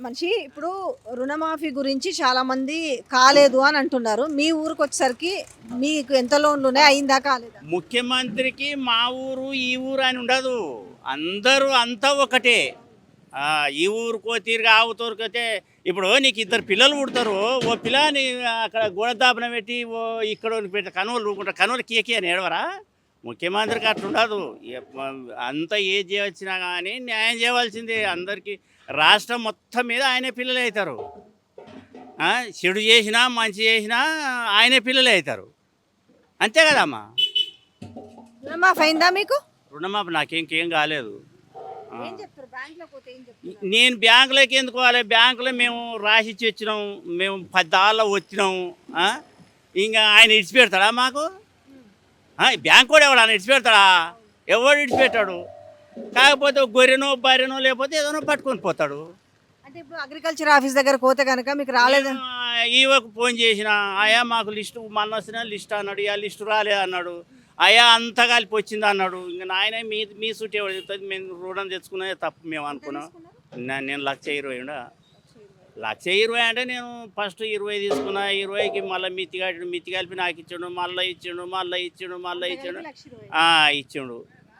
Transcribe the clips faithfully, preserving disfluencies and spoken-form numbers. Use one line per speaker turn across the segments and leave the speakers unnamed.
మనిషి ఇప్పుడు రుణమాఫీ గురించి చాలా మంది కాలేదు అని అంటున్నారు. మీ ఊరికి వచ్చేసరికి మీకు ఎంత లోన్లు ఉన్నాయి, అయిందా కాలేదా?
ముఖ్యమంత్రికి మా ఊరు ఈ ఊరు అని ఉండదు. అందరూ అంతా ఒకటే. ఆ, ఈ ఊరుకో తిరిగి ఆ ఊరికైతే ఇప్పుడు నీకు ఇద్దరు పిల్లలు పుడతారు. ఓ పిల్లని అక్కడ గోడదాపన పెట్టి ఓ ఇక్కడ పెట్టి కనువలు ఊరుకుంటారు. కనువలు కేకే అని ఏడవరా? ముఖ్యమంత్రికి అట్లా ఉండదు. ఎప్ప- అంతా ఏ చేయవచ్చినా కానీ న్యాయం చేయవలసిందే అందరికీ. రాష్ట్రం మొత్తం మీద ఆయనే పిల్లలు అవుతారు. ఆ, చెడు చేసినా మంచి చేసినా ఆయనే పిల్లలు అవుతారు. అంతే కదమ్మా.
రుణమాఫీ అయిందా మీకు?
రుణమాఫీ నాకేంకేం కాలేదు. ఆ.
ఏం చెప్తారు బ్యాంకులో పోతే ఏం చెప్తారు?
నేను బ్యాంకులోకి ఎందుకు పోవాలి? బ్యాంకులో మేము రాసిచ్చి వచ్చినాం, మేము పద్దాళ్ళ వచ్చినాం. ఆ? ఇంకా ఆయన ఇడిచిపెడతాడా మాకు? ఆ, బ్యాంక్ కూడా ఎవడు ఆయన ఇడిచిపెడతాడా? ఎవడు ఇడిచిపెట్టాడు? కాకపోతే ఒక గొర్రెనో బర్రెనో లేకపోతే ఏదైనా పట్టుకొని పోతాడు.
అంటే ఇప్పుడు అగ్రికల్చర్ ఆఫీస్ దగ్గర పోతే కనుక మీకు రాలేదా?
ఈవోకు ఫోన్ చేసిన, అయ్యా మాకు లిస్టు మొన్న వచ్చిన లిస్ట్ అన్నాడు, ఇక లిస్టు రాలేదు అన్నాడు. అయ్యా అంతా కలిపి వచ్చింది అన్నాడు. ఇంకా నాయన మీ మీ సూట్ ఎవరు చెప్తుంది? మేము రుణం తెచ్చుకున్నదే తప్పు మేము అనుకున్నాం. నా- నేను లక్ష ఇరవై ఉండా లక్ష ఇరవై అంటే నేను ఫస్ట్ ఇరవై తీసుకున్నా. ఇరవైకి మళ్ళీ మిత్తి కట్టిండు, మిత్తి కలిపి నాకు ఇచ్చిండు, మళ్ళీ ఇచ్చిండు, మళ్ళీ ఇచ్చిండు, మళ్ళీ ఇచ్చిండు. ఆ, ఇచ్చిండు.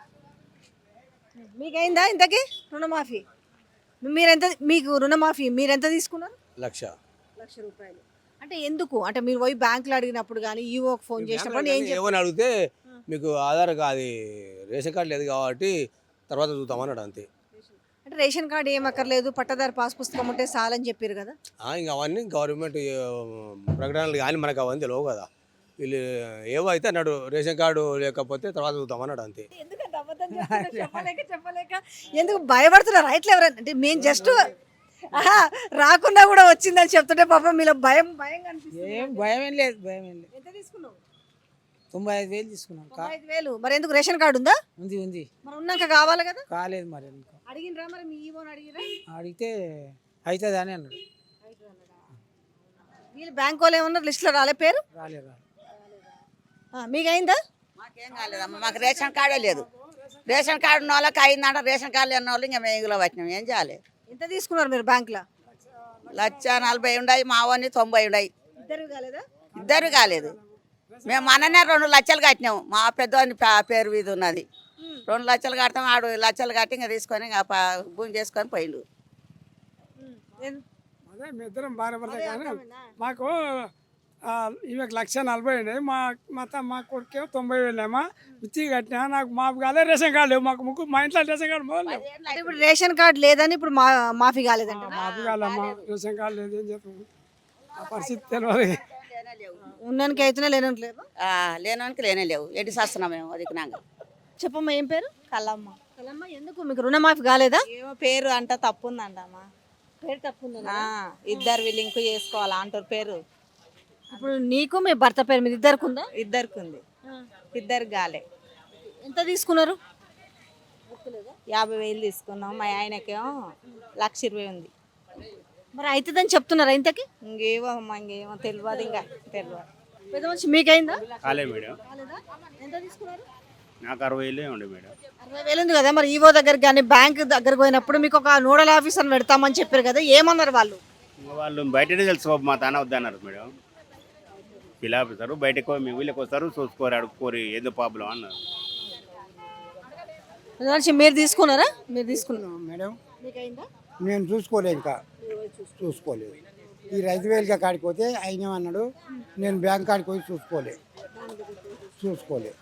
మీకైందా ఇంతకీ రుణమాఫీ? మీరెంత మీకు రుణమాఫీ మీరెంత తీసుకున్నారు?
లక్ష.
లక్ష రూపాయలు. అంటే ఎందుకు? అంటే మీరు పోయి బ్యాంకులో అడిగినప్పుడు కానీ ఈవోకి ఫోన్ చేసినప్పుడు ఏం చెప్పారు?
ఏమని అడిగితే మీకు ఆధార్ అది రేషన్ కార్డు లేదు కాబట్టి తర్వాత చూద్దామన్నాడు అంతే.
అంటే రేషన్ కార్డు ఏం అక్కర్లేదు, పట్టదారు పాస్ పుస్తకం ఉంటే చాలని చెప్పారు కదా.
ఆ, ఇంకా అవన్నీ గవర్నమెంట్ ప్రకటనలు కానీ మనకు అవన్నీ తెలియవు కదా. వీళ్ళు ఏవో అయితే అన్నాడు, రేషన్ కార్డు లేకపోతే తర్వాత చూద్దామన్నాడు అంతే.
ఎందుకంటే అబద్ధం చెప్తున్నారు, చెప్పలేక చెప్పలేక ఎందుకు భయపడుతున్నారు? రైట్లు ఎవరైనా అంటే మేము జస్ట్ రాకుండా కూడా వచ్చిందని చెప్తుంటే పాపం మీలో భయం భయం కనిపిస్తుంది.
ఏం భయం ఏం లేదు, భయం ఏం లేదు.
ఎంత తీసుకున్నావు?
తొంభై ఐదు వేలు తీసుకున్నాం. కా-
తొంభై ఐదు వేలు. మరి ఎందుకు రేషన్ కార్డు ఉందా?
ఉంది ఉంది
మరి ఉన్నాక కావాలి కదా.
కాలేదు మరి ఇంకా.
అడిగినరా మరి మీ ఈవోని అడిగిరా?
అడిగితే అవుతుంది అని అన్నాడు.
వీళ్ళు బ్యాంక్ వాళ్ళు ఏమన్నారు? లిస్టులో రాలే పేరు?
రాలేదు రాలేదు.
ఆ, మీకైందా?
మాకేం కాలేదమ్మా, మాకు రేషన్ కార్డే లేదు. రేషన్ కార్డు ఉన్న వాళ్ళకి అయిందంట, రేషన్ కార్డు లేని వాళ్ళు ఇంకా మేగులో వచ్చినాం. ఏం చేయాలి?
ఎంత తీసుకున్నారు మీరు బ్యాంకులో?
లక్ష నలభై ఉన్నాయి, మా వాడిని తొంభై ఉన్నాయి.
ఇద్దరు కాలేదా?
ఇద్దరు కాలేదు. మేము మననే రెండు లక్షలు కట్టినాము. మా పెద్దవాడిని పే- పేరు మీద ఉన్నది. రెండు లక్షలు కడతాం, ఆడు లక్షలు కట్టి ఇంకా తీసుకొని ఇంకా ప- భూమి చేసుకొని పోయిండు.
అదే మీ ఇద్దరం భార్య భర్త కానీ మాకు ఆ, ఈమెకు లక్ష నలభై ఉన్నాయి. మా మా త- మా కొడుకేమో తొంభై వేలేమా మిర్చి కట్టినా. నాకు మాకు కాలే రేషన్ కార్డు లేవు. మాకు ముగ్గు మా ఇంట్లో రేషన్ కార్డు మొదలు లేవు.
అంటే ఇప్పుడు రేషన్ కార్డు లేదని ఇప్పుడు మా మాఫీ కాలేదంట.
మాకు కాలమ్మా రేషన్ కార్డు లేదు. ఏం చెప్తాము? ఆ పరిస్థితి తెలియదు.
ఉన్నానికి అయితేనే లేనంత లేదు.
ఆ, లేనోనికి లేనే లేవు. ఎటు చేస్తున్నాం మేము అదికినాక.
చెప్పమ్మా, ఏం పేరు?
కల్లమ్మ.
కలమ్మ, ఎందుకు మీకు రుణమాఫీ కాలేదా?
ఏమో పేరు అంట తప్పు ఉందంటమ్మా.
పేరు తప్పుందా?
ఆ, ఇద్దరు లింక్ చేసుకోవాలా అంటారు పేరు.
ఇప్పుడు నీకు మీ భర్త పేరు మీద ఇద్దరికి ఉందా?
ఇద్దరికి ఉంది, ఇద్దరికి గాలే.
ఎంత తీసుకున్నారు?
యాభై వేలు తీసుకున్నాం. మా ఆయనకేమో లక్ష ఇరవై ఉంది.
మరి అవుతుందని చెప్తున్నారా ఇంతకి?
ఇంకేమో అమ్మ, ఇంకేమో తెలియదు, ఇంకా తెలియదు.
పెద్ద మనిషి మీకైందా?
కాలే మేడం.
కాలేదా? ఎంత తీసుకున్నారు?
నాకు అరవై వేలే ఉండే మేడం.
అరవై వేలు ఉంది కదా. మరి ఈవో దగ్గరికి కానీ బ్యాంక్ దగ్గరకు పోయినప్పుడు మీకు ఒక నోడల్ ఆఫీసర్ పెడతామని చెప్పారు కదా, ఏమన్నారు వాళ్ళు?
ఇంకా వాళ్ళు బయటనే తెలుసుకో, మా తాన వద్దన్నారు మేడం. పిలాపుతారు బయటకు, మీ ఊళ్ళకి వస్తారు, చూసుకోరు, అడుక్కోరు, ఏదో ప్రాబ్లం అన్నారు.
పెద్ద మనిషి మీరు తీసుకున్నారా? మీరు తీసుకున్నారు.
మేడం
మీకైందా?
నేను చూసుకోలేదు, ఇంకా చూసుకోలేదు. ఈ రైతు వేలుగా కాడికి పోతే ఆయన అన్నాడు, నేను బ్యాంక్ కాడికి పోయి చూసుకోలే చూసుకోలే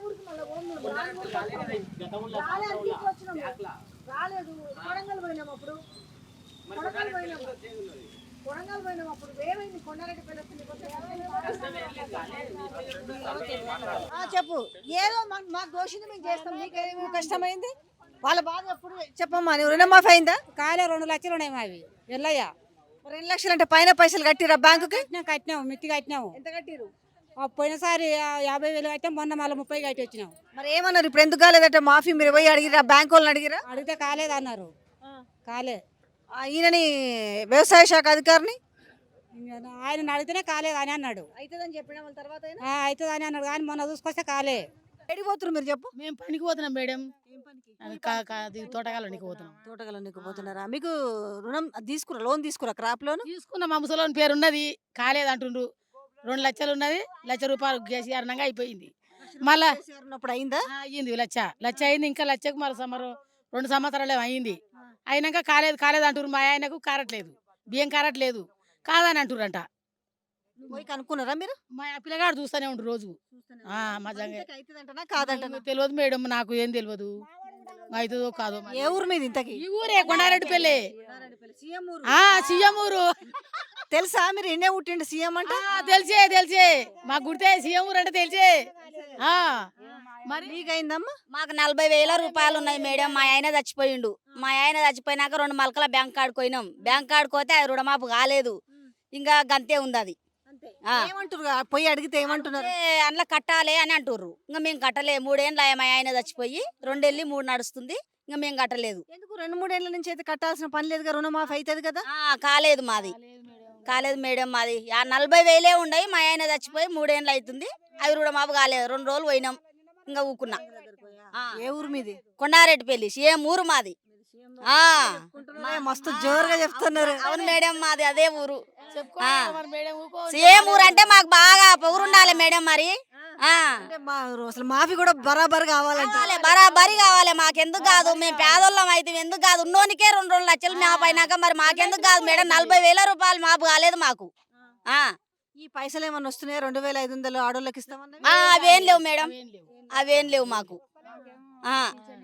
చెప్పు. ఏదో మా- మాకు దోషింది మేము చేస్తాం, మీకేమి కష్టమైంది? వాళ్ళ బాధ ఎప్పుడు చెప్పమ్మా. నువ్వు రుణమాఫీ అయిందా?
కాలే రెండు లక్షలు ఉన్నాయి మావి ఎల్లయ్య.
రెండు లక్షలు అంటే పైన పైసలు కట్టిరా బ్యాంకుకి?
కట్టినాం కట్టినాము మిత్తి కట్టినాము.
ఎంత కట్టిరు?
ఆ పోయినసారి ఆ యాభై వేలు కట్టాం, మొన్న మళ్ళీ ముప్పై కట్టి వచ్చినాం.
మరి ఏమన్నారు? ఇప్పుడు ఎందుకు కాలేదంటే మాఫీ మీరు పోయి అడిగిరా? బ్యాంక్ వాళ్ళని అడిగిరా?
అడిగితే కాలేదు అన్నారు. కాలే.
ఆ, ఈయనని వ్యవసాయ శాఖ అధికారిని
ఇంకా ఆయన అడిగితేనే కాలేదు అని అన్నాడు.
అవుతుందని చెప్పిన వాళ్ళ తర్వాత
అవుతుంది అని అన్నాడు కానీ మొన్న చూసుకొస్తే కాలే.
ఎడికి పోతున్నారు మీరు చెప్పు
మేము పనికి పోతున్నాం మేడం
ఏం పనికి
అది కా- కా- అది తోటకాలనికి పోతున్నాం
తోటగలనికి పోతున్నారా మీకు రుణం తీసుకురా లోన్ తీసుకురా క్రాప్ లోన్
తీసుకున్న మా ముసలోని పేరు ఉన్నది కాలేదు అంటుండ్రు రెండు లక్షలు ఉన్నది లక్ష రూపాయలు కేసీఆర్నంగా అయిపోయింది మళ్ళా
ఉన్నప్పుడు అయిందా
ఆ, అయ్యింది లచ్చ లచ్చ అయింది ఇంకా లచ్చకు మరి సమరు రెండు సంవత్సరాలు ఏమో అయింది అయినాక కాలేదు కాలేదు అంటారు మా ఆయనకు కారట్లేదు బియ్యం కారట్లేదు కాదని అంటుర్రంట
పోయి కనుక్కున్నారా మీరు
మా పిల్లగాడు చూస్తూనే ఉండు రోజు ఆ, మా జంగ
అవుతుందంటనా కాదంటనా
తెలియదు మేడం నాకు ఏం తెలియదు అవుతుందో కాదో మరి.
ఏ ఊరు మీద ఇంతకి
ఈ ఊరే కొండారెడ్డిపల్లి
సీఎం ఊరు
ఆ సీఎం ఊరు
తెలుసా మీరు ఎన్నే పుట్టిండు సీఎం అంటే
ఆ, తెలిసే తెలిసే మాకు గుర్తే సీఎం ఊరు అంటే తెలిసే ఆ, మరి
మీకైందమ్మా
మాకు నలభై వేల రూపాయలు ఉన్నాయి మేడం మా ఆయన చచ్చిపోయిండు మా ఆయన చచ్చిపోయినాక రెండు మలకల బ్యాంక్ కార్డు పోయినాం బ్యాంక్ కార్డు పోతే అది రుణమాపు కాలేదు ఇంకా గంతే ఉంది అది ఆ.
ఏమంటారు పోయి అడిగితే ఏమంటున్నారు
ఏ, అందులో కట్టాలి అని అంటుర్రు ఇంకా మేము కట్టలే మూడేళ్ళు మా ఆయన చచ్చిపోయి రెండేళ్ళి మూడు నడుస్తుంది ఇంకా మేము కట్టలేదు
ఎందుకు రెండు మూడేళ్ల నుంచి అయితే కట్టాల్సిన పని లేదుగా రుణమాఫీ అవుతుంది కదా
ఆ, కాలేదు మాది కాలేదు మేడం మాది ఆ నలభై వేలే ఉండయి మా ఆయన చచ్చిపోయి మూడేళ్ళు అవుతుంది అవి రుణమాపు కాలేదు రెండు రోజులు పోయినాం ఇంకా ఊకున్నా ఆ.
ఏ ఊరు మీది
కొండారెడ్డిపల్లి ఏం ఊరు మాది ఆ.
ఏ, మస్తు జోరుగా చెప్తున్నారు
అవును మేడం మాది అదే ఊరు
చెప్పుకోవాలి కదా మరి మేడం ఊకో.
సేమ్ ఊరు అంటే మాకు బాగా పొగురు ఉండాలి మేడం మరి ఆ.
అంటే మా అసలు మాఫీ కూడా బరాబర్ కావాలంటే
కావాలి, బరాబరి కావాలి మాకెందుకు కాదు మేము పేదోళ్ళం అయితే ఎందుకు కాదు ఉన్నోనికే రెండు రెండు లక్షలు మాపు అయినాక మరి మాకెందుకు కాదు మేడం నలభై వేల రూపాయలు మాపు కాలేదు మాకు ఆ.
ఈ పైసలు ఏమన్నా వస్తున్నాయా రెండు వేల ఐదు వందలు ఆడోళ్ళకి ఇస్తామన్నా
ఆ, అవేం లేవు మేడం
ఏం లేవు.
అవేం లేవు మాకు ఆ.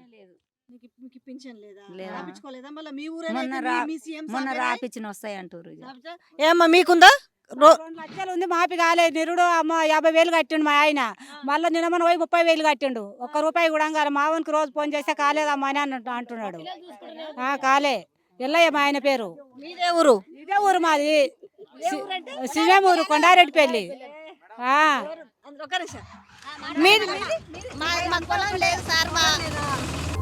మీకు మీకు పింఛన్ లేదా
లేదా.
రాపించుకోలేదా మళ్ళీ మీ
మొన్న
ఊరే
రా-
మీ సీఎం
మొన్న రాపిచ్చిన వస్తాయి అంటారు ఇక.
ఏమ్మా మీకుందా రో-
రెండు లక్షలు ఉంది మాపి కాలే నిరుడు అమ్మ యాభై వేలు కట్టిండు మా ఆయన మళ్ళీ నిన్న మన పోయి ముప్పై వేలు కట్టిండు ఒక్క రూపాయి కూడా కాలే మావనికి రోజు ఫోన్ చేస్తే కాలేదమ్మా అని అన్నట్టు అంటున్నాడు ఆ, కాలే ఎల్లయ్య మా ఆయన పేరు
మీదే ఊరు
ఇదే ఊరు మాది సీఎం ఊరు కొండారెడ్డిపల్లి ఆ.
ఒక్క నిమిషం. మీది మీది?
మా పొలం లేదు సార్ మా